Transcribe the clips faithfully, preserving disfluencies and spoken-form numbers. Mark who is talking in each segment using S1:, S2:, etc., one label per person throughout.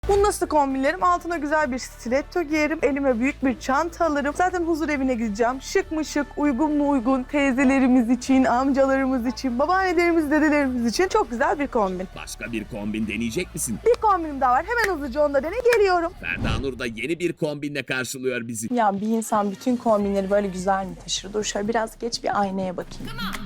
S1: Bunu nasıl kombinlerim? Altına güzel bir stiletto giyerim. Elime büyük bir çanta alırım. Zaten huzur evine gideceğim. Şık mı şık, uygun mu uygun, teyzelerimiz için, amcalarımız için, babaannelerimiz, dedelerimiz için çok güzel bir kombin.
S2: Başka bir kombin deneyecek misin?
S1: Bir kombinim daha var. Hemen hızlıca onu da dene geliyorum.
S2: Ferda Nur da yeni bir kombinle karşılıyor bizi.
S3: Ya bir insan bütün kombinleri böyle güzel mi taşır? Dur şöyle biraz geç bir aynaya bakayım.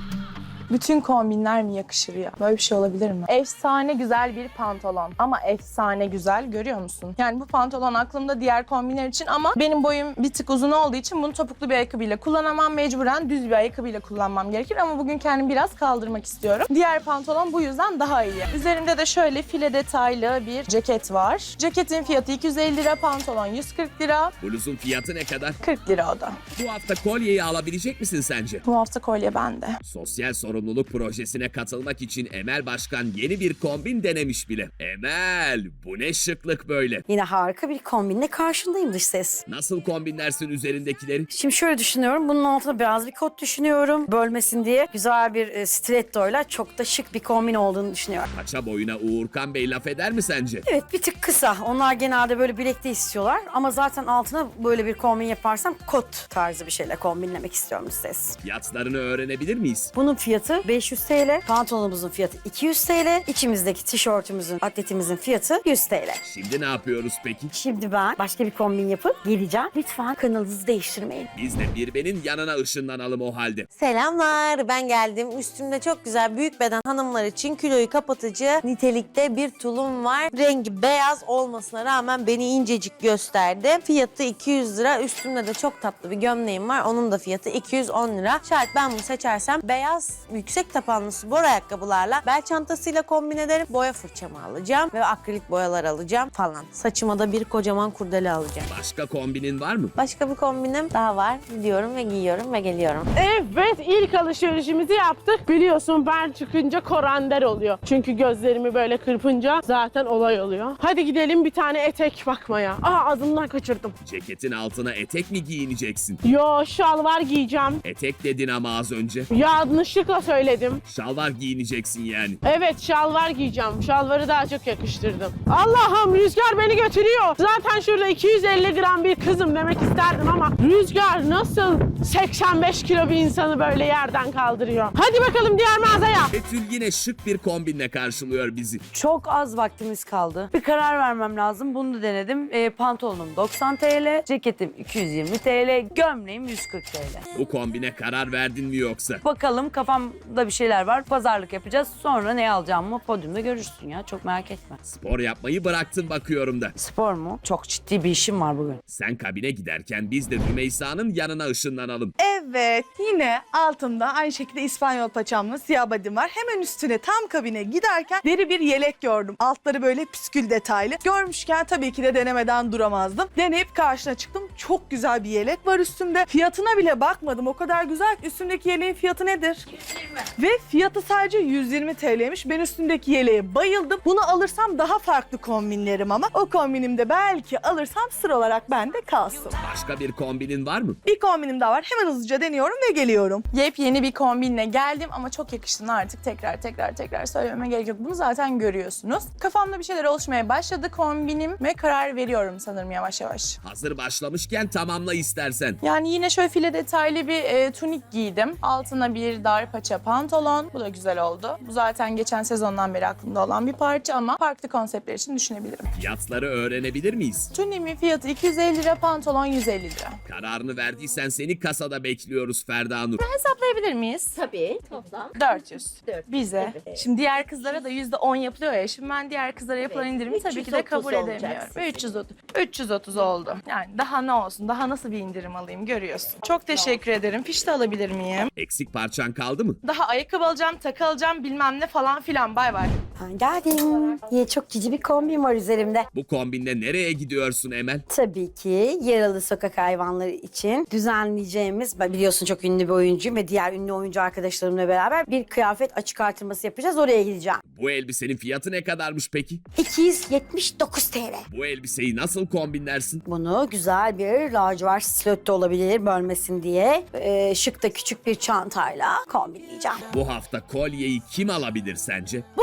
S3: Bütün kombinler mi yakışır ya? Böyle bir şey olabilir mi? Efsane güzel bir pantolon. Ama efsane güzel, görüyor musun? Yani bu pantolon aklımda diğer kombinler için ama benim boyum bir tık uzun olduğu için bunu topuklu bir ayakkabıyla kullanamam. Mecburen düz bir ayakkabıyla kullanmam gerekir ama bugün kendimi biraz kaldırmak istiyorum. Diğer pantolon bu yüzden daha iyi. Üzerimde de şöyle file detaylı bir ceket var. Ceketin fiyatı iki yüz elli lira, pantolon yüz kırk lira.
S2: Bluzun fiyatı ne kadar?
S3: kırk lira o da.
S2: Bu hafta kolyeyi alabilecek misin sence?
S3: Bu hafta kolye bende.
S2: Sosyal sorumluluk projesine katılmak için Emel Başkan yeni bir kombin denemiş bile. Emel, bu ne şıklık böyle?
S4: Yine harika bir kombinle karşındayım dış ses.
S2: Nasıl kombinlersin üzerindekileri?
S4: Şimdi şöyle düşünüyorum. Bunun altına biraz bir kot düşünüyorum. Bölmesin diye güzel bir e, stilettoyla çok da şık bir kombin olduğunu düşünüyorum.
S2: Paça boyuna Uğurkan Bey laf eder mi sence?
S4: Evet, bir tık kısa. Onlar genelde böyle bilekte istiyorlar. Ama zaten altına böyle bir kombin yaparsam kot tarzı bir şeyle kombinlemek istiyorum dış ses.
S2: Fiyatlarını öğrenebilir miyiz?
S4: Bunun fiyatı beş yüz TL. Pantolonumuzun fiyatı iki yüz TL. İçimizdeki tişörtümüzün, atletimizin fiyatı yüz TL.
S2: Şimdi ne yapıyoruz peki?
S4: Şimdi ben başka bir kombin yapıp geleceğim. Lütfen kanalınızı değiştirmeyin.
S2: Biz de Birbe'nin yanına ışınlanalım o halde.
S5: Selamlar, ben geldim. Üstümde çok güzel büyük beden hanımlar için kiloyu kapatıcı nitelikte bir tulum var. Rengi beyaz olmasına rağmen beni incecik gösterdi. Fiyatı iki yüz lira. Üstümde de çok tatlı bir gömleğim var. Onun da fiyatı iki yüz on lira. Şayet ben bunu seçersem beyaz yüksek tapanlı spor ayakkabılarla bel çantasıyla kombin ederim. Boya fırçamı alacağım ve akrilik boyalar alacağım falan. Saçıma da bir kocaman kurdele alacağım.
S2: Başka kombinin var mı?
S5: Başka bir kombinim daha var. Gidiyorum ve giyiyorum ve geliyorum.
S6: Evet, ilk alışverişimizi yaptık. Biliyorsun ben çıkınca korender oluyor. Çünkü gözlerimi böyle kırpınca zaten olay oluyor. Hadi gidelim bir tane etek bakmaya. Aa, ağzımdan kaçırdım.
S2: Ceketin altına etek mi giyineceksin?
S6: Yo, şalvar giyeceğim.
S2: Etek dedin ama az önce.
S6: Yanlışlıkla söyledim.
S2: Şalvar giyineceksin yani.
S6: Evet, şalvar giyeceğim. Şalvarı daha çok yakıştırdım. Allah'ım, rüzgar beni götürüyor. Zaten şurada iki yüz elli gram bir kızım demek isterdim ama rüzgar nasıl seksen beş kilo bir insanı böyle yerden kaldırıyor. Hadi bakalım diğer mağazaya.
S2: Betül yine şık bir kombinle karşılıyor bizi.
S4: Çok az vaktimiz kaldı. Bir karar vermem lazım. Bunu da denedim. E, pantolonum doksan TL, ceketim iki yüz yirmi TL, gömleğim yüz kırk TL.
S2: Bu kombine karar verdin mi yoksa?
S4: Bakalım, kafamda bir şeyler var. Pazarlık yapacağız. Sonra ne alacağımı podyumda görürsün ya. Çok merak etme.
S2: Spor yapmayı bıraktın bakıyorum da.
S4: Spor mu? Çok ciddi bir işim var bugün.
S2: Sen kabine giderken biz de Rümeysa'nın yanına ışınlanalım.
S1: Evet, yine altımda aynı şekilde İspanyol paçamlı siyah badim var. Hemen üstüne tam kabine giderken deri bir yelek gördüm. Altları böyle püskül detaylı. Görmüşken tabii ki de denemeden duramazdım. Deneyip karşına çıktım. Çok güzel bir yelek var üstümde. Fiyatına bile bakmadım. O kadar güzel ki üstümdeki yeleğin fiyatı nedir? yüz yirmi. Ve fiyatı sadece yüz yirmi T L'ymiş. Ben üstündeki yeleğe bayıldım. Bunu alırsam daha farklı kombinlerim ama o kombinimde belki alırsam sır olarak bende kalsın.
S2: Başka bir kombinin var mı?
S1: Bir kombinim daha var. Hemen hızlıca deniyorum ve geliyorum.
S3: Yepyeni bir kombinle geldim ama çok yakıştığını artık tekrar tekrar tekrar söylememe gerek yok. Bunu zaten görüyorsunuz. Kafamda bir şeyler oluşmaya başladı kombinim ve karar veriyorum sanırım yavaş yavaş.
S2: Hazır başlamışken tamamla istersen.
S3: Yani yine şöyle file detaylı bir e, tunik giydim. Altına bir dar paça pantolon. Bu da güzel oldu. Bu zaten geçen sezondan beri aklımda olan bir parça ama farklı konseptler için düşünebilirim.
S2: Fiyatları öğrenebilir miyiz?
S3: Tuniğimin fiyatı iki yüz elli lira, pantolon yüz elli lira.
S2: Kararını verdiysen seni kasada bekliyoruz Ferda Nur.
S3: Hesaplayabilir miyiz?
S7: Tabii, toplam.
S3: dört yüz.
S7: dört yüz,
S3: Bize.
S7: evet.
S3: Şimdi diğer kızlara da yüzde on yapılıyor ya. Şimdi ben diğer kızlara yapılan
S7: Evet,
S3: indirimi tabii ki de
S7: üç yüz otuz
S3: kabul
S7: olacak
S3: edemiyorum.
S7: sizin.
S3: üç yüz otuz. üç yüz otuz oldu. Yani daha ne olsun? Daha nasıl bir indirim alayım görüyorsun. Çok teşekkür ederim. Fiş de alabilir miyim?
S2: Eksik parçan kaldı mı?
S3: Daha ayakkabı alacağım, takı alacağım bilmem ne falan filan. Bay bay.
S4: Ben geldim. Yine çok cici bir kombin var üzerimde.
S2: Bu kombinle nereye gidiyorsun Emel?
S4: Tabii ki yaralı sokak hayvanları için düzenleyeceğimiz, ben biliyorsun çok ünlü bir oyuncuyum ve diğer ünlü oyuncu arkadaşlarımla beraber bir kıyafet açık artırması yapacağız. Oraya gideceğim.
S2: Bu elbisenin fiyatı ne kadarmış peki?
S4: iki yüz yetmiş dokuz TL.
S2: Bu elbiseyi nasıl kombinlersin?
S4: Bunu güzel bir lacivert stiletto olabilir bölmesin diye e, şık da küçük bir çantayla kombinleyeceğim.
S2: Bu hafta kolyeyi kim alabilir sence?
S4: Bu hafta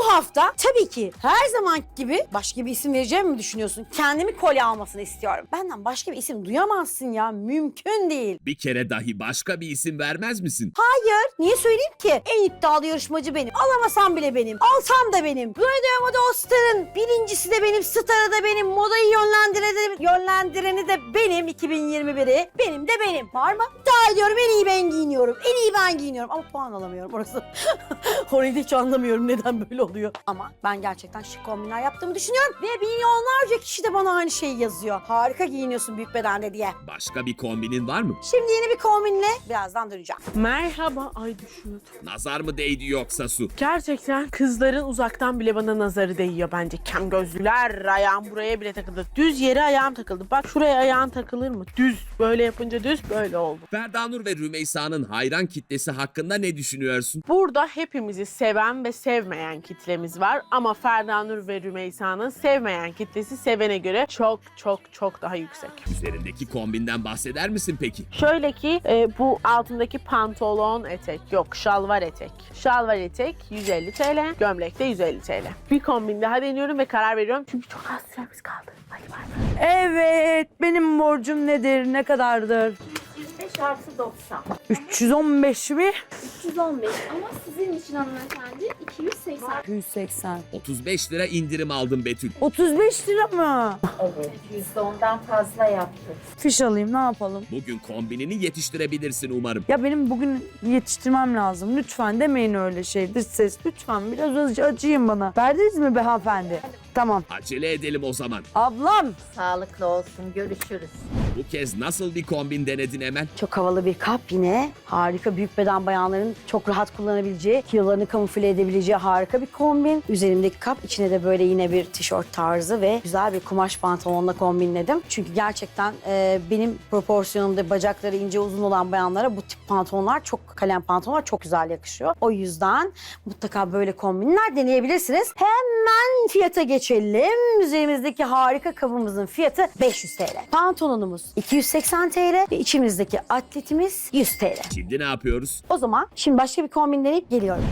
S4: yoksa tabii ki her zaman gibi başka bir isim vereceğimi mi düşünüyorsun? Kendimi kolye almasını istiyorum. Benden başka bir isim duyamazsın ya. Mümkün değil.
S2: Bir kere dahi başka bir isim vermez misin?
S4: Hayır. Niye söyleyeyim ki? En iddialı yarışmacı benim. Alamasam bile benim. Alsam da benim. Radyo Moda Star'ın birincisi de benim. Starı da benim. Modayı yönlendireni de, yönlendireni de benim. iki bin yirmi biri. Benim de benim. Var mı? İddia ediyorum. En iyi ben giyiniyorum. En iyi ben giyiniyorum. Ama puan alamıyorum orası. Orayı da hiç anlamıyorum neden böyle oluyor. Ama ben gerçekten şık kombinler yaptığımı düşünüyorum. Ve milyonlarca kişi de bana aynı şeyi yazıyor. Harika giyiniyorsun büyük bedende diye.
S2: Başka bir kombinin var mı?
S4: Şimdi yeni bir kombinle birazdan döneceğim.
S6: Merhaba. Ay düşüyordum.
S2: Nazar mı değdi yoksa Su?
S6: Gerçekten kızların uzaktan bile bana nazarı değiyor bence. Kem gözlüler, ayağım buraya bile takıldı. Düz yere ayağım takıldı. Bak şuraya ayağın takılır mı? Düz. Böyle yapınca düz böyle oldu.
S2: Ferdanur ve Rümeysa'nın hayran kitlesi hakkında ne düşünüyorsun?
S6: Burada hepimizi seven ve sevmeyen kitlemiz var. Ama Ferdanur ve Rümeysa'nın sevmeyen kitlesi sevene göre çok çok çok daha yüksek.
S2: Üzerindeki kombinden bahseder misin peki?
S6: Şöyle ki e, bu altındaki pantolon etek yok şalvar etek. Şalvar etek yüz elli TL, gömlek de yüz elli TL. Bir kombin daha deniyorum ve karar veriyorum çünkü çok az süremiz kaldı. Hadi bay bay.
S7: Evet, benim borcum nedir, ne kadardır?
S8: yüz beş artı doksan.
S7: üç yüz on beş mi?
S8: üç yüz on beş ama sizin için hanımefendi iki yüz seksen.
S7: iki yüz seksen.
S2: otuz beş lira indirim aldım Betül.
S7: otuz beş lira mı?
S8: Evet. yüzde ondan fazla yaptık.
S7: Fiş alayım, ne yapalım?
S2: Bugün kombinini yetiştirebilirsin umarım.
S7: Ya benim bugün yetiştirmem lazım. Lütfen demeyin öyle şey. Dış ses, lütfen biraz acı acıyın bana. Verdiniz mi be hanımefendi? Tamam.
S2: Acele edelim o zaman.
S7: Ablam.
S8: Sağlıklı olsun. Görüşürüz.
S2: Bu kez nasıl bir kombin denedin Emel?
S4: Çok havalı bir kap yine. Harika büyük beden bayanların çok rahat kullanabileceği, kilolarını kamufle edebileceği harika bir kombin. Üzerimdeki kap içine de böyle yine bir tişört tarzı ve güzel bir kumaş pantolonla kombinledim. Çünkü gerçekten e, benim proporsiyonumda bacakları ince uzun olan bayanlara bu tip pantolonlar çok kalem pantolonlar çok güzel yakışıyor. O yüzden mutlaka böyle kombinler deneyebilirsiniz. Hemen fiyata geçelim. Üzerimizdeki harika kabımızın fiyatı beş yüz TL. Pantolonumuz iki yüz seksen TL ve içimizdeki atletimiz yüz TL.
S2: Şimdi ne yapıyoruz?
S4: O zaman şimdi başka bir kombin deneyip geliyorum.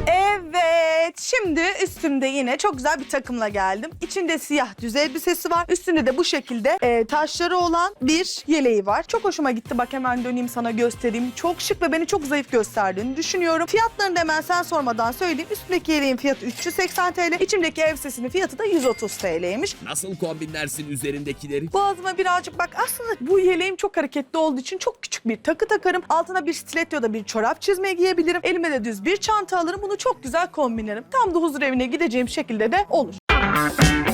S1: Evet, şimdi üstümde yine çok güzel bir takımla geldim. İçinde siyah düz elbisesi var. Üstünde de bu şekilde e, taşları olan bir yeleği var. Çok hoşuma gitti. Bak hemen döneyim sana göstereyim. Çok şık ve beni çok zayıf gösterdiğini düşünüyorum. Fiyatlarını da hemen sen sormadan söyleyeyim. Üstündeki yeleğin fiyatı üç yüz seksen TL. İçimdeki elbisesinin fiyatı da yüz otuz TL'ymiş.
S2: Nasıl kombinlersin üzerindekileri?
S1: Boğazıma birazcık bak aslında bu yeleğim çok hareketli olduğu için çok küçük bir takı takarım. Altına bir stiletto ya da bir çorap çizme giyebilirim. Elime de düz bir çanta alırım. Bunu çok güzel kombinlerim. Tam da huzur evine gideceğim şekilde de olur.